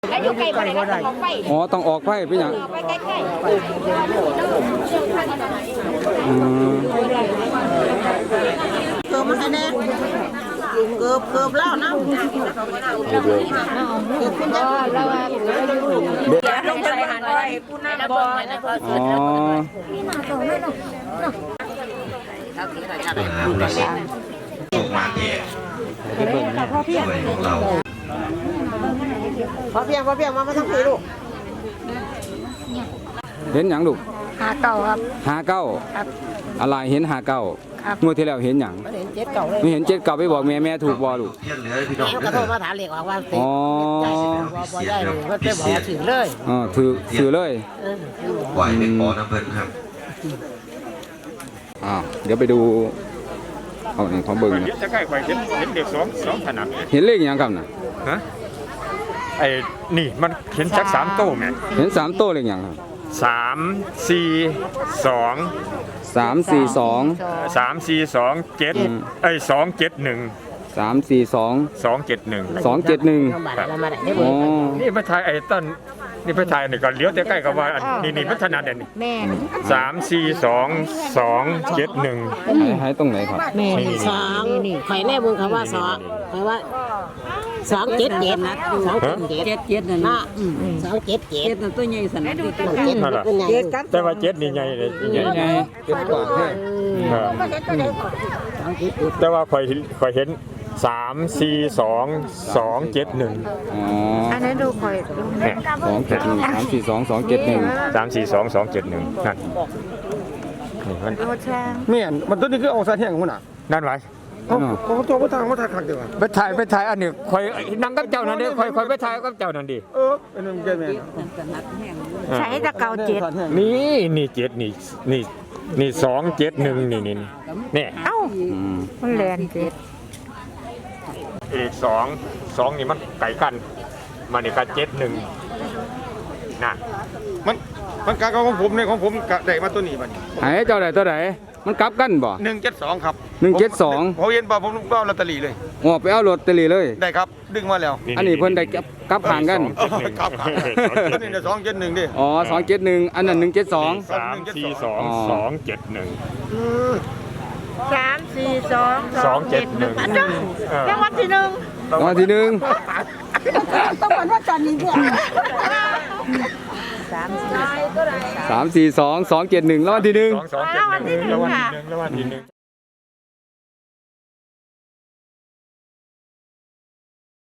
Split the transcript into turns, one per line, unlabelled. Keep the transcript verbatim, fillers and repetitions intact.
อยู่ใกล้บ่ได้ต้องออกไป
อ๋อต้องออกไฟเป็นหยัง
ไปใกล้ๆ
อืม
เกือบมันแน่เกือบเกือบแล้วนะเกือบคุณจะแล้วว่าลงไปหันไปผู้หน้าบ่แล้วก็
อ๋
เสร็จ
อ
มาเก็บพ่อเพียงของเรา
พอเพียงพอเพียงมามาทั้งพี่ลูก
เห็นหยังลูก
หาเก่าครับ
หาเก้าอะไรเห็นหาเก้า
ครับ
งวดที่แล้วเห็นหยัง
เห็นเจ็ดเก่าเลย
ไม่เห็นเจ็ดเก้าไปบอกแม่แม่ถูกบ่ลูก
เที่ยงเหลือพี่น้อง
กระโทษมาถามเหล็กว่าเต็ม
อ๋อ
บ่ได้เลยก็จะบอกว่าถือเลย
อ๋อถือถือเลย
ปล่อยเป็นปอน้ำเพิ่นครับ
อ้าวเดี๋ยวไปดูเอาหนึ่งของเบิ่ง
จะใกล้ไปเห็นเห็นเด็กสองสองถนัด
เห็นเลขหยังครับน่ะ
ฮะไอ้นี่มันเห็นจักสามโต้ไหม
เห็นสามโต้เลขหยังครับ
สามสี่สอง
สามสี่สอง
สามสี่สองเจ็ดไอ้สองเจ็ดหนึ่ง
สามสี่สอง
สองเจ็ดหนึ่ง
สองเจ็ดหนึ่ง อ๋อ
นี่พระไทยไอ้ต้นนี่พระไทยนี่ก็เลี้ยวใกล้ๆกับว่าอันนี่นี่พัฒนาเด่นนี่
แม่
สามสี่สองสองเจ็ดหนึ่ง
หายหายตรงไหนครับ
แม่สองข่อยแน่มึงคำว่าสองข่อยว่าสองเจ็ดเจ็ดนะสองเจ็ดเจ็ดเจ็ดนะสองเจ็ดเจ็ดตัวใหญ่สันนิษฐานเจ็ดตัวใหญ่
แต่ว่าเจ็ดนี่ใหญ่เลยใหญ่
ไงเจ็ดกว่าแค่
แต่ว่าคอยคอยเห็นสามสี่สองสองเจ็ดหนึ่ง
อ๋อ
อันนั้นดูคอย
เนี่ย
สองเจ็ดหนึ่งสามสี่สองสองเจ็ดหนึ่ง
สามสี่สองสองเจ็ดหนึ่งนั่นนี่มัน
โคช่าง
แม่นมันตัวนี้คือเอาสาแท่งของมันน่ะ
นั่นไร
เขาเขาตัวบ่ทางบ่ทางคักเดียวอะ
ไปถ่ายไปถ่ายอันนี้คอยนั่งกับเจ้านั่นดิคอยคอยไปถ่ายกับเจ้านั่นดิ
เออเป็นมันแก่แม่น
ใช้ตะเกาเจ็ด
นี่นี่เจ็ดนี่นี่นี่สองเจ็ดหนึ่งนี่นี่นี่
เอ้า
อืม
มันแลนเจ็ด
เอกสองสองนี่มันไก่กันมันนี่ก็เจ็ดหนึ่งน่ะ
มันมันกะของผมเนี่ยของผมกะได้มาตัวนี้บัดนี้
หายเจ้าไหนตัวไหนมันกลับกันบ่
หนึ่งเจ็ดสองครับ
หนึ่งเจ็ดสอง
ผมเห็นป่ะผมก็เอาลอตเตอรี่เลย
อ๋อไปเอาลอตเตอรี่เลย
ได้ครับดึงมาแล้ว
อันนี้เพิ่นได้กลับกลับห่างกัน
เออครับครับอันนี้เนี่ยสองเจ็ดหนึ่งดิ
อ๋อสองเจ็ดหนึ่งอันนั้นหนึ่งเจ็ดสอง
สามสี่สองสองเจ็ดหนึ่ง
สามสี่สอง
สองเจ็ดหนึ่ง
รางวัลที่หนึ่ง
รางวัลที่หนึ่ง
ต้องวันว่าตอนนี้เนี่ย
สามสี่
สามสี่สองสองเจ็ดหนึ่งรางวัลที่หนึ่ง
สองสองเจ็ดหนึ่งแล้ววันที่หนึ่งแล้ววันที่หนึ่ง